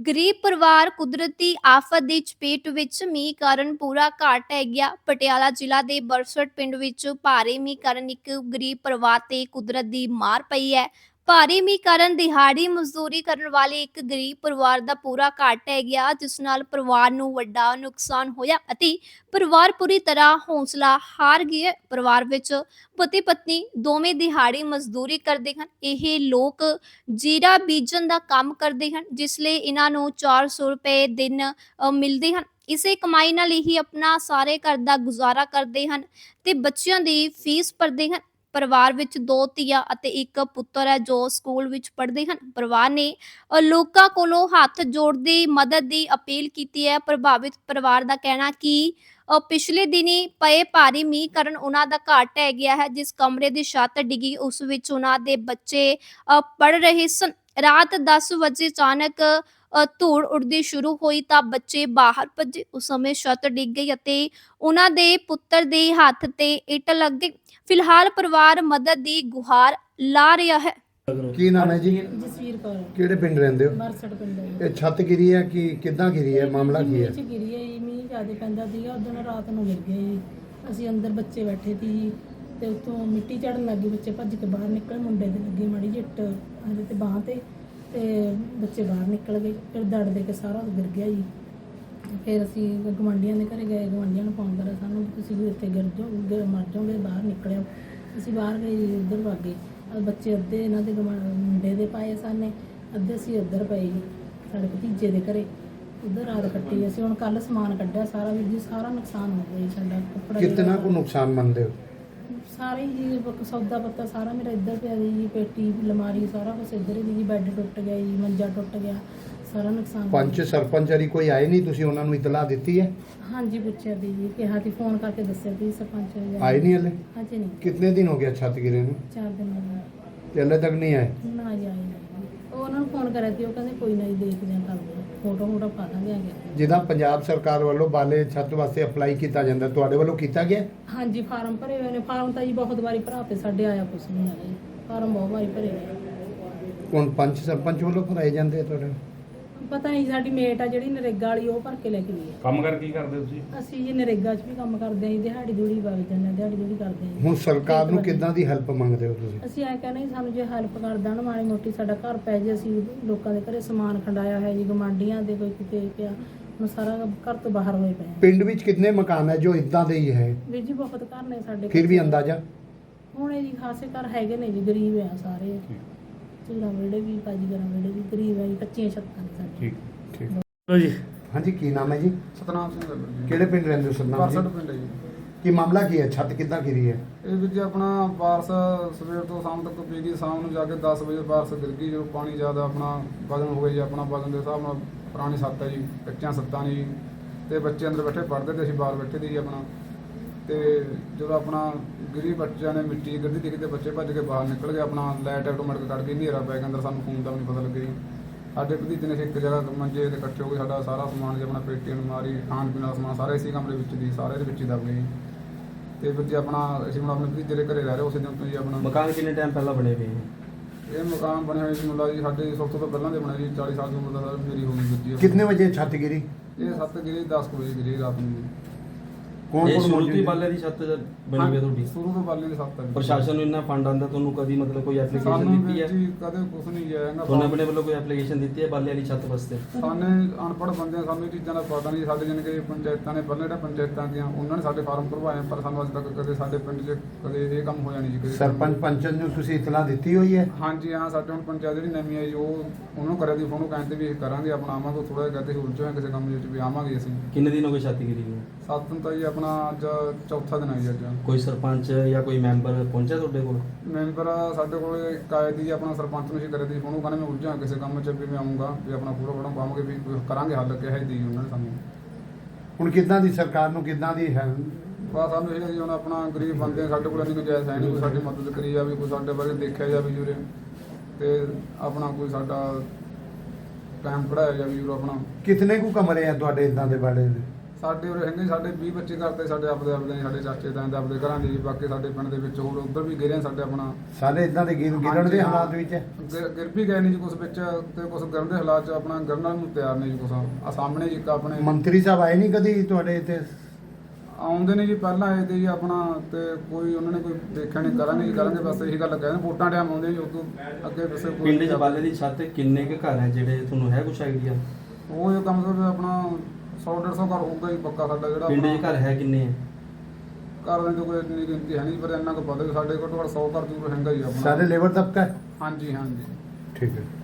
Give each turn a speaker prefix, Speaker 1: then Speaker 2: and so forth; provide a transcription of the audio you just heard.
Speaker 1: ਗਰੀਬ ਪਰਿਵਾਰ ਕੁਦਰਤੀ ਆਫਤ ਦੀ ਚਪੇਟ ਵਿੱਚ ਮੀਂਹ ਕਾਰਨ ਪੂਰਾ ਘਰ ਢਹਿ ਗਿਆ। ਪਟਿਆਲਾ ਜ਼ਿਲ੍ਹਾ ਦੇ ਬਰਸਟ ਪਿੰਡ ਵਿੱਚ ਭਾਰੀ ਮੀਂਹ ਕਾਰਨ ਇੱਕ ਗਰੀਬ ਪਰਿਵਾਰ ਤੇ ਕੁਦਰਤ ਦੀ ਮਾਰ ਪਈ ਹੈ। ਭਾਰੀ ਮੀਂਹ ਕਾਰਨ ਦਿਹਾੜੀ ਮਜ਼ਦੂਰੀ ਕਰਨ ਵਾਲੇ ਇੱਕ ਗਰੀਬ ਪਰਿਵਾਰ ਦਾ ਪੂਰਾ ਘਰ ਢਹਿ ਗਿਆ, ਜਿਸ ਨਾਲ ਪਰਿਵਾਰ ਨੂੰ ਵੱਡਾ ਨੁਕਸਾਨ ਹੋਇਆ ਅਤੇ ਪਰਿਵਾਰ ਪੂਰੀ ਤਰ੍ਹਾਂ ਹੌਸਲਾ ਹਾਰ ਗਿਆ। ਪਰਿਵਾਰ ਵਿੱਚ ਪਤੀ ਪਤਨੀ ਦੋਵੇਂ ਦਿਹਾੜੀ ਮਜ਼ਦੂਰੀ ਕਰਦੇ ਹਨ। ਇਹ ਲੋਕ ਜੀਰਾ ਬੀਜਣ ਦਾ ਕੰਮ ਕਰਦੇ ਹਨ, ਜਿਸ ਲਈ ਇਹਨਾਂ ਨੂੰ 400 ਰੁਪਏ ਦਿਨ ਮਿਲਦੇ ਹਨ। ਇਸੇ ਕਮਾਈ ਨਾਲ ਹੀ ਆਪਣਾ ਸਾਰੇ ਘਰ ਦਾ ਗੁਜ਼ਾਰਾ ਕਰਦੇ ਹਨ ਤੇ ਬੱਚਿਆਂ ਦੀ ਫੀਸ ਭਰਦੇ ਹਨ। ਪਰਿਵਾਰ ਵਿੱਚ 2 ਧੀਆਂ ਅਤੇ ਇੱਕ ਪੁੱਤਰ ਹੈ ਜੋ ਸਕੂਲ ਵਿੱਚ ਪੜ੍ਹਦੇ ਹਨ। ਪਰਿਵਾਰ ਨੇ ਲੋਕਾਂ ਕੋਲੋਂ ਹੱਥ ਜੋੜਦੇ ਮਦਦ ਦੀ ਅਪੀਲ ਕੀਤੀ ਹੈ। ਪ੍ਰਭਾਵਿਤ ਪਰਿਵਾਰ ਦਾ ਕਹਿਣਾ ਕਿ ਪਿਛਲੇ ਦਿਨੀ ਪਏ ਭਾਰੀ ਮੀਂਹ ਕਾਰਨ ਉਹਨਾਂ ਦਾ ਘਰ ਢਹਿ ਗਿਆ ਹੈ। ਜਿਸ ਕਮਰੇ ਦੀ ਛੱਤ ਡਿੱਗੀ ਉਸ ਵਿੱਚ ਉਹਨਾਂ ਦੇ ਬੱਚੇ ਪੜ੍ਹ ਰਹੇ ਸਨ। ਰਾਤ 10 ਵਜੇ ਅਚਾਨਕ ਧੂੜ ਉੱਡਦੀ ਸ਼ੁਰੂ ਹੋਈ ਤਾਂ ਬੱਚੇ ਬਾਹਰ ਭੱਜੇ। ਉਸ ਸਮੇਂ ਛੱਤ ਡਿੱਗ ਗਈ ਅਤੇ ਉਹਨਾਂ ਦੇ ਪੁੱਤਰ ਦੇ ਹੱਥ ਤੇ ਇੱਟ ਲੱਗ ਗਈ। ਫਿਲਹਾਲ ਪਰਿਵਾਰ ਮਦਦ ਦੀ ਗੁਹਾਰ ਲਾ ਰਿਹਾ ਹੈ।
Speaker 2: ਕੀ ਨਾਮ ਹੈ ਜੀ?
Speaker 3: ਜਸਵੀਰ ਕੌਰ।
Speaker 2: ਕਿਹੜੇ ਪਿੰਡ ਰਹਿੰਦੇ ਹੋ?
Speaker 3: ਬਰਸਟ ਪਿੰਡ ਹੈ।
Speaker 2: ਇਹ ਛੱਤ ਗਿਰੀ ਹੈ ਕਿ ਕਿੱਦਾਂ ਗਿਰੀ ਹੈ? ਮਾਮਲਾ ਕੀ ਹੈ?
Speaker 3: ਮੀਂਹ 'ਚ ਗਿਰੀ ਹੈ ਜੀ, ਮੀਂਹ ਜ਼ਿਆਦਾ ਪੈਂਦਾ ਸੀਗਾ। ਉਦੋਂ ਰਾਤ ਨੂੰ ਗਿਰ ਗਿਆ ਜੀ। ਅਸੀਂ ਅੰਦਰ ਬੱਚੇ ਬੈਠੇ ਸੀ ਜੀ ਤੇ ਉੱਤੋਂ ਮਿੱਟੀ ਚੜਨ ਲੱਗੀ। ਬੱਚੇ ਭੱਜ ਕੇ ਬਾਹਰ ਨਿਕਲ, ਮੁੰਡੇ ਦੇ ਲੱਗੀ ਮਾੜੀ ਜਿਹੀ ਇੱਟ ਹਲੇ ਤੇ ਬਾਹਾਂ ਤੇ ਬੱਚੇ ਬਾਹਰ ਨਿਕਲ ਗਏ। ਫਿਰ ਦੜ ਦੇ ਕੇ ਸਾਰਾ ਗਿਰ ਗਿਆ ਜੀ। ਫਿਰ ਅਸੀਂ ਗੁਆਂਢੀਆਂ ਦੇ ਘਰੇ ਗਏ, ਗੁਆਂਢੀਆਂ ਨੂੰ ਫੋਨ ਕਰਿਆ ਸਾਨੂੰ ਵੀ ਤੁਸੀਂ ਵੀ ਇੱਥੇ ਗਿਰ ਮਰ ਜਾਓਗੇ, ਬਾਹਰ ਨਿਕਲਿਓ। ਅਸੀਂ ਬਾਹਰ ਗਏ ਜੀ, ਉੱਧਰ ਵਗ ਗਏ। ਬੱਚੇ ਅੱਧੇ ਇਹਨਾਂ ਦੇ ਮੁੰਡੇ ਦੇ ਪਾਏ ਸਾਨੇ, ਅੱਧੇ ਅਸੀਂ ਉੱਧਰ ਪਏ ਜੀ ਸਾਡੇ ਭਤੀਜੇ ਦੇ ਘਰੇ, ਉੱਧਰ ਰਾਤ ਕੱਟੀ। ਅਸੀਂ ਹੁਣ ਕੱਲ ਸਮਾਨ ਕੱਢਿਆ ਸਾਰਾ ਵੀਰ ਜੀ, ਸਾਰਾ ਨੁਕਸਾਨ ਹੋ ਗਿਆ ਜੀ ਸਾਡਾ। ਕੱਪੜਾ
Speaker 2: ਕਿੰਨਾ ਕੁ ਨੁਕਸਾਨ ਮੰਨਦੇ ਹੋ?
Speaker 3: ਸਾਰੇ ਜੀ ਸੌਦਾ ਪੱਤਾ ਸਾਰਾ ਮੇਰਾ ਇੱਧਰ ਪਿਆ ਜੀ, ਪੇਟੀ ਅਲਮਾਰੀ ਸਾਰਾ ਕੁਛ ਇੱਧਰ ਹੀ ਜੀ। ਬੈੱਡ ਟੁੱਟ ਗਿਆ ਜੀ, ਮੰਜਾ ਟੁੱਟ ਗਿਆ, ਸਾਰਾ ਨੁਕਸਾਨ।
Speaker 2: ਪੰਚ ਸਰਪੰਚ ਹਰੀ ਕੋਈ ਆਏ ਨਹੀਂ? ਤੁਸੀਂ ਉਹਨਾਂ ਨੂੰ ਇਤਲਾਹ ਦਿੱਤੀ ਹੈ?
Speaker 3: ਹਾਂਜੀ ਪੁੱਛਿਆ ਦੀ ਜੀ, ਕਿਹਾ ਸੀ ਫੋਨ ਕਰਕੇ ਦੱਸਿਆ ਸੀ ਸਰਪੰਚ
Speaker 2: ਆਏ ਨਹੀਂ ਹਲੇ?
Speaker 3: ਹਾਂਜੀ ਨਹੀਂ,
Speaker 2: ਕਿੰਨੇ ਦਿਨ ਹੋ ਗਿਆ ਛੱਤ ਗਿਰੇ ਨੂੰ
Speaker 3: 4 ਦਿਨ ਹੋ ਗਏ
Speaker 2: ਤੇ ਹਲੇ ਤੱਕ ਨਹੀਂ ਆਏ?
Speaker 3: ਨਾ ਜੀ, ਆਏ ਨਹੀਂ। ਉਹ ਉਹਨਾਂ ਨੂੰ ਫੋਨ ਕਰਿਆ ਸੀ, ਉਹ ਕਹਿੰਦੇ ਕੋਈ ਨਹੀਂ ਦੇਖਦੇ ਆ, ਕਰਦੇ ਆ, ਫੋਟੋ ਪਾ ਦਾਂਗੇ ਆ ਕੇ।
Speaker 2: ਜਿੱਦਾਂ ਪੰਜਾਬ ਸਰਕਾਰ ਵੱਲੋਂ ਬਾਲੇ ਛੱਤ ਵਾਸਤੇ ਅਪਲਾਈ ਕੀਤਾ ਜਾਂਦਾ, ਤੁਹਾਡੇ ਵੱਲੋਂ ਕੀਤਾ ਗਿਆ?
Speaker 3: ਹਾਂਜੀ ਫਾਰਮ ਭਰੇ ਹੋਏ ਨੇ। ਫਾਰਮ ਤਾਂ ਜੀ ਬਹੁਤ ਵਾਰੀ ਭਰਾ ਤੇ ਸਾਡੇ ਆਇਆ ਕੁਛ ਨਹੀਂ ਆਇਆ ਜੀ। ਫਾਰਮ ਬਹੁਤ ਵਾਰੀ ਭਰੇ ਨੇ।
Speaker 2: ਹੁਣ ਪੰਚ ਸਰਪੰਚ ਵੱਲੋਂ ਭਰਾਏ ਜਾਂਦੇ ਆ ਤੁਹਾਡੇ?
Speaker 3: ਪਤਾ ਨਹੀਂ, ਸਾਡੀ ਮੇਟ ਆ ਜਿਹੜੀ ਨਰੇਗਾ ਵਾਲੀ, ਉਹ ਭਰ ਕੇ ਲੈ ਕੇ ਗਈ ਹੈ।
Speaker 4: ਕੰਮ ਕਰ ਕੀ ਕਰਦੇ ਤੁਸੀਂ?
Speaker 3: ਅਸੀਂ ਜੀ ਨਰੇਗਾ 'ਚ ਵੀ ਕੰਮ ਕਰਦੇ ਹਾਂ ਜੀ, ਦਿਹਾੜੀ ਦੂੜੀ ਵਗ ਜਾਂਦੇ ਹਾਂ, ਦਿਹਾੜੀ ਦੂੜੀ ਕਰਦੇ ਹਾਂ ਜੀ।
Speaker 2: ਹੁਣ ਸਰਕਾਰ ਨੂੰ ਕਿੱਦਾਂ ਦੀ ਹੈਲਪ ਮੰਗਦੇ ਹੋ ਤੁਸੀਂ?
Speaker 3: ਅਸੀਂ ਐਂ ਕਹਿੰਦੇ ਜੀ, ਸਾਨੂੰ ਜੇ ਹੈਲਪ ਕਰ ਦੇਣ ਮਾੜੀ ਮੋਟੀ, ਸਾਡਾ ਘਰ ਪੈ ਜੇ। ਅਸੀਂ ਲੋਕਾਂ ਦੇ ਘਰੇ ਸਮਾਨ ਖੰਡਾਇਆ ਹੈ ਜੀ, ਗੁਆਂਢੀਆਂ ਦੇ ਕੋਈ ਕਿਤੇ ਪਿਆ, ਹੁਣ ਸਾਰਾ ਘਰ ਤੋਂ ਬਾਹਰ ਹੋਏ ਪਏ ਆ।
Speaker 2: ਪਿੰਡ ਵਿੱਚ ਕਿੰਨੇ ਮਕਾਨ ਹੈ ਜੋ ਇਦਾਂ ਦੇ ਹੀ ਹੈ?
Speaker 3: ਵੀਰ ਜੀ ਬਹੁਤ ਘਰ ਨੇ ਸਾਡੇ।
Speaker 2: ਫਿਰ ਵੀ ਅੰਦਾਜ਼ਾ?
Speaker 3: ਹੁਣ ਇਹ ਜੀ ਖਾਸੇ ਘਰ ਹੈਗੇ ਨੇ ਜੀ, ਗਰੀਬ ਆ ਸਾਰੇ। ਝੂੜਾ ਵੇੜੇ ਵੀ, ਬਾਜੀਗਰਾਂ ਵੇੜੇ ਵੀ ਗਰੀਬ ਆ ਜੀ, ਕੱਚੀਆਂ ਛੱਤਾਂ ਨੇ ਸਾਡੇ।
Speaker 4: ਠੀਕ
Speaker 2: ਠੀਕ
Speaker 4: ਲੋ ਜੀ।
Speaker 2: ਹਾਂਜੀ, ਕੀ ਨਾਮ ਹੈ ਜੀ?
Speaker 5: ਸਤਨਾਮ ਸਿੰਘ ਗੱਲ ਜੀ।
Speaker 2: ਕਿਹੜੇ ਪਿੰਡ ਰਹਿੰਦੇ ਹੋ ਸਤਨਾਮ
Speaker 5: ਬਰਸਟ
Speaker 2: ਜੀ?
Speaker 5: ਪਿੰਡ ਹੈ ਜੀ।
Speaker 2: ਕੀ ਮਾਮਲਾ ਕੀ ਹੈ? ਛੱਤ ਕਿੱਦਾਂ ਗਿਰੀ ਹੈ?
Speaker 5: ਇਹ ਵਿੱਚ ਆਪਣਾ ਬਾਰਸ ਸਵੇਰ ਤੋਂ ਸ਼ਾਮ ਤੱਕ ਪੀ ਗਈ। ਸ਼ਾਮ ਨੂੰ ਜਾ ਕੇ 10 ਵਜੇ ਬਾਰਸ ਗਿਰ ਗਈ। ਜਦੋਂ ਪਾਣੀ ਜ਼ਿਆਦਾ ਆਪਣਾ ਵਜ਼ਨ ਹੋ ਗਿਆ ਜੀ, ਆਪਣਾ ਵਜ਼ਨ ਦੇ ਹਿਸਾਬ ਨਾਲ ਪੁਰਾਣੀ ਛੱਤ ਹੈ ਜੀ, ਕੱਚੀਆਂ ਛੱਤਾਂ ਨੇ ਜੀ। ਤੇ ਬੱਚੇ ਅੰਦਰ ਬੈਠੇ ਪੜ੍ਹਦੇ ਤੇ ਅਸੀਂ ਬਾਹਰ ਬੈਠੇ ਸੀ ਜੀ ਆਪਣਾ। ਤੇ ਜਦੋਂ ਆਪਣਾ ਗਿਰੀ ਬੱਚਿਆਂ ਨੇ ਮਿੱਟੀ ਗਿਰਦੀ ਦਿਖੀ ਤੇ ਬੱਚੇ ਭੱਜ ਕੇ ਬਾਹਰ ਨਿਕਲ ਗਏ। ਆਪਣਾ ਲਾਈਟ ਆਟੋਮੈਟਿਕ ਕੱਢ ਕੇ ਹਨੇਰਾ ਪੈ ਗਿਆ ਅੰਦਰ, ਸਾਨੂੰ ਫੋਨ ਦਾ ਵੀ ਨਹੀਂ ਪਤਾ ਲੱਗਿਆ ਜੀ। ਸਾਡੇ ਭਤੀਜੇ ਨੇ ਇੱਕ ਜਗ੍ਹਾ ਮੰਜੇ ਤੇ ਇਕੱਠੇ ਹੋ ਕੇ ਸਾਡਾ ਸਾਰਾ ਸਮਾਨ ਜੀ, ਆਪਣਾ ਪੇਟੀ ਅਲਮਾਰੀ ਖਾਣ ਪੀਣ ਦਾ ਸਮਾਨ ਸਾਰਾ ਇਸੇ ਕਮਰੇ ਵਿੱਚ ਦੀ, ਸਾਰੇ ਦੇ ਵਿੱਚ ਹੀ ਦਬ ਗਏ ਜੀ। ਤੇ ਫਿਰ ਜੀ ਆਪਣਾ ਅਸੀਂ ਹੁਣ ਆਪਣੇ ਭਤੀਜੇ ਦੇ ਘਰੇ ਰਹਿ ਰਹੇ ਉਸੇ ਦਿਨ ਤੋਂ ਜੀ। ਆਪਣਾ
Speaker 4: ਮਕਾਨ ਕਿੰਨੇ ਟਾਈਮ ਪਹਿਲਾਂ ਬਣੇ ਪਏ?
Speaker 5: ਇਹ ਮਕਾਨ ਬਣਿਆ ਹੋਇਆ ਜੀ ਮੁੰਡਾ ਜੀ ਸਾਡੇ ਸਭ ਤੋਂ ਪਹਿਲਾਂ ਦੇ ਬਣਿਆ ਜੀ, 40 ਸਾਲ ਦੀ ਉਮਰ ਦਾ ਮੇਰੀ ਹੋ ਗਈ ਜੀ।
Speaker 2: ਕਿੰਨੇ ਵਜੇ ਛੱਤ ਗਿਰੀ?
Speaker 5: ਇਹ 7 ਗਿਰੀ 10 ਵਜੇ ਗਿਰੀ ਰਾਤ ਨੂੰ ਜੀ।
Speaker 2: ਕੌਣ
Speaker 4: ਇਹ
Speaker 2: ਕੌਣ
Speaker 4: ਸ਼ੁਰੂ ਤੋਂ
Speaker 2: ਮੌਜੂਦ
Speaker 4: ਹੀ
Speaker 2: ਹੈ?
Speaker 4: ਬਾਲੇ ਦੀ ਛੱਤ ਬਣੀ ਹੋਈ ਹੈ ਤੁਹਾਡੀ?
Speaker 5: ਸ਼ੁਰੂ ਤੋਂ ਬਾਲੇ ਦੇ 7 ਤੱਕ
Speaker 4: ਪ੍ਰਸ਼ਾਸਨ ਨੂੰ ਇੰਨਾ ਫੰਡ ਆਉਂਦਾ, ਤੁਹਾਨੂੰ ਕਦੀ ਮਤਲਬ ਕੋਈ ਐਪਲੀਕੇਸ਼ਨ
Speaker 5: ਸਾਨੂੰ
Speaker 4: ਦਿੱਤੀ ਹੈ?
Speaker 5: ਜੀ ਕਦੇ ਕੁਝ ਨਹੀਂ ਆਏਗਾ।
Speaker 4: ਤੁਹਾਨੂੰ ਆਪਣੇ ਵੱਲੋਂ ਕੋਈ ਐਪਲੀਕੇਸ਼ਨ ਦਿੱਤੀ ਹੈ ਬਾਲੇ ਵਾਲੀ ਛੱਤ ਵਾਸਤੇ?
Speaker 5: ਸਾਨੇ ਅਨਪੜ੍ਹ ਬੰਦੇ, ਸਾਨੂੰ ਇਹ ਚੀਜ਼ਾਂ ਦਾ ਪਤਾ ਨਹੀਂ। ਸਾਡੇ ਜਾਣੀ ਕਿ ਪੰਚਾਇਤਾਂ ਨੇ ਪਹਿਲਾਂ ਜਿਹੜਾ ਪੰਚਾਇਤਾਂ ਦੀਆਂ ਉਹਨਾਂ ਨੇ ਸਾਡੇ ਫਾਰਮ ਭਰਵਾਏ, ਪਰ ਸਾਨੂੰ ਅੱਜ ਤੱਕ ਕਦੇ ਸਾਡੇ ਪਿੰਡ 'ਚ ਕਦੇ ਇਹ ਕੰਮ ਹੋਇਆ ਨਹੀਂ ਜੀ। ਕਦੇ
Speaker 2: ਸਰਪੰਚ ਪੰਚਨ ਨੂੰ ਤੁਸੀਂ ਇਤਲਾਹ ਦਿੱਤੀ ਹੋਈ ਹੈ?
Speaker 5: ਹਾਂਜੀ ਹਾਂ, ਸਾਡੇ ਹੁਣ ਪੰਚਾਇਤ ਜਿਹੜੀ ਨਵੀਂ ਆਈ ਉਹਨੂੰ ਕਰਿਆ ਦੀ ਫੋਨ, ਕਹਿੰਦੇ ਵੀ ਇਹ ਕਰਾਂਗੇ ਆਪਣਾ, ਆਵਾਂਗੇ। ਥੋੜਾ ਜਿਹਾ ਕਹਿੰਦੇ ਉਲਝ ਹੋਏ ਕਿਸੇ ਕੰਮ ਵਿੱਚ ਵੀ ਆਵਾਂਗੇ ਅਸੀਂ।
Speaker 4: ਕਿੰਨੇ ਦਿਨ ਹੋ ਗਏ ਛੱਤ ਗਿਰੀ ਨੂੰ?
Speaker 5: 7 ਨੂੰ ਤਾਂ ਜੀ ਆਪਣਾ ਅੱਜ ਚੌਥਾ ਦਿਨ ਹੈ ਜੀ। ਅੱਜ
Speaker 4: ਕੋਈ ਸਰਪੰਚ ਜਾਂ ਕੋਈ ਮੈਂਬਰ ਪਹੁੰਚਿਆ ਤੁਹਾਡੇ ਕੋਲ?
Speaker 5: ਮੈਂਬਰ ਸਾਡੇ ਕੋਲ ਇੱਕ ਆਏ ਦੀ ਆਪਣਾ ਸਰਪੰਚ ਨੂੰ ਅਸੀਂ ਕਰਿਆ ਦੀ ਫੋਨ, ਉਹ ਕਹਿੰਦੇ ਮੈਂ ਉਲਝਾਂ ਕਿਸੇ ਕੰਮ 'ਚ ਵੀ ਮੈਂ ਆਊਂਗਾ, ਵੀ ਆਪਣਾ ਪੂਰਾ ਬੜਾ ਪਾਵਾਂਗੇ, ਵੀ ਕਰਾਂਗੇ ਹੱਲ ਕਿਹਾ ਦੀ ਉਹਨਾਂ ਨੇ ਸਾਨੂੰ।
Speaker 2: ਹੁਣ ਕਿੱਦਾਂ ਦੀ ਸਰਕਾਰ ਨੂੰ ਕਿੱਦਾਂ ਦੀ ਹੈ?
Speaker 5: ਬਸ ਸਾਨੂੰ ਇਹ ਜੀ ਹੁਣ ਆਪਣਾ ਗਰੀਬ ਬੰਦੇ ਆ, ਸਾਡੇ ਕੋਲ ਇੰਨੀ ਗੁੰਜਾਇਸ਼ ਹੈ ਨਹੀਂ ਕੋਈ ਸਾਡੀ ਮਦਦ ਕਰੀ ਜਾਵੇ, ਕੋਈ ਸਾਡੇ ਬਾਰੇ ਦੇਖਿਆ ਜਾਵੇ ਜੂਰੇ, ਤੇ ਆਪਣਾ ਕੋਈ ਸਾਡਾ ਟਾਈਮ ਕਢਾਇਆ ਜਾਵੇ ਜੂਰੇ। ਆਪਣਾ
Speaker 2: ਕਿਤਨੇ ਕੁ ਕਮਰੇ ਆ ਤੁਹਾਡੇ ਇਦਾਂ ਦੇ ਬਾੜੇ ਦੇ?
Speaker 5: ਸਾਡੇ ਉਰੇ ਹੈਗੇ ਸਾਡੇ 20 25 ਘਰ ਤੇ ਸਾਡੇ ਆਪਦੇ ਸਾਡੇ ਚਾਚੇ ਤਾਏ ਦੇ ਆਪਦੇ ਘਰਾਂ ਦੇ ਜੀ। ਬਾਕੀ ਸਾਡੇ ਪਿੰਡ ਦੇ ਵਿੱਚ ਹੋਰ ਉੱਧਰ ਵੀ ਗਿਰੇ ਸਾਡੇ ਆਪਣਾ
Speaker 2: ਸਾਰੇ ਇਦਾਂ ਦੇ ਗਿਰਨ ਦੇ
Speaker 5: ਹਾਂਜੀ, ਹਾਂ।
Speaker 2: ਹਾਲਾਤ ਵਿੱਚ ਹੈ।
Speaker 5: ਗਿਰ ਵੀ ਗਏ ਨੇ ਜੀ ਕੁਝ ਵਿੱਚ, ਤੇ ਕੁਝ ਗਿਰਨ ਦੇ ਹਾਲਾਤ 'ਚ ਆਪਣਾ ਗਿਰਨ ਨਾਲ ਨੂੰ ਤਿਆਰ ਨੇ ਜੀ। ਕੁਝ ਆ ਸਾਹਮਣੇ ਜੀ ਇੱਕ ਆਪਣੇ
Speaker 2: ਮੰਤਰੀ ਸਾਹਿਬ ਆਏ ਨਹੀਂ ਕਦੀ ਤੁਹਾਡੇ ਇੱਥੇ?
Speaker 5: ਆਉਂਦੇ ਨੇ ਜੀ, ਪਹਿਲਾਂ ਆਏ ਤੇ ਜੀ ਆਪਣਾ, ਤੇ ਕੋਈ ਉਹਨਾਂ ਨੇ ਕੋਈ ਦੇਖਿਆ ਨਹੀਂ। ਕਰਾਂਗੇ ਜੀ ਕਰਾਂਗੇ, ਬਸ ਇਹੀ ਗੱਲ ਕਹਿੰਦੇ ਵੋਟਾਂ ਟਾਈਮ ਆਉਂਦੇ ਜੀ। ਉਦੋਂ ਅੱਗੇ ਪਿੱਛੇ ਕੋਈ
Speaker 4: ਪਿੰਡ 'ਚ ਬਾਲੇ ਦੀ ਛੱਤ ਕਿੰਨੇ ਕੁ ਘਰ ਹੈ ਜਿਹੜੇ ਤੁਹਾਨੂੰ ਹੈ ਕੁਛ ਆਈਡੀਆ?
Speaker 5: ਉਹ ਇਹ ਕੰਮ ਤੋਂ ਆਪਣਾ 100-150 ਘਰ ਹੋਊਗਾ ਜੀ ਪੱਕਾ ਸਾਡਾ ਜਿਹੜਾ
Speaker 4: ਪਿੰਡ 'ਚ
Speaker 5: ਆਪਣਾ।
Speaker 4: ਘਰ ਹੈ ਕਿੰਨੇ ਹੈ?
Speaker 5: ਘਰ ਦੇ ਕੋਈ ਇੰਨੀ ਗਿਣਤੀ ਹੈ ਨਹੀਂ, ਪਰ ਇੰਨਾ ਕੁ ਪਤਾ ਵੀ ਸਾਡੇ ਘੱਟੋ ਘੱਟ 100 ਘਰ ਜ਼ਰੂਰ ਹੈਗਾ ਜੀ ਆਪਣਾ।
Speaker 2: ਸਾਰੇ ਲੇਬਰ ਤਬਕਾ ਹੈ?
Speaker 5: ਹਾਂਜੀ ਹਾਂਜੀ।
Speaker 2: ਠੀਕ ਹੈ।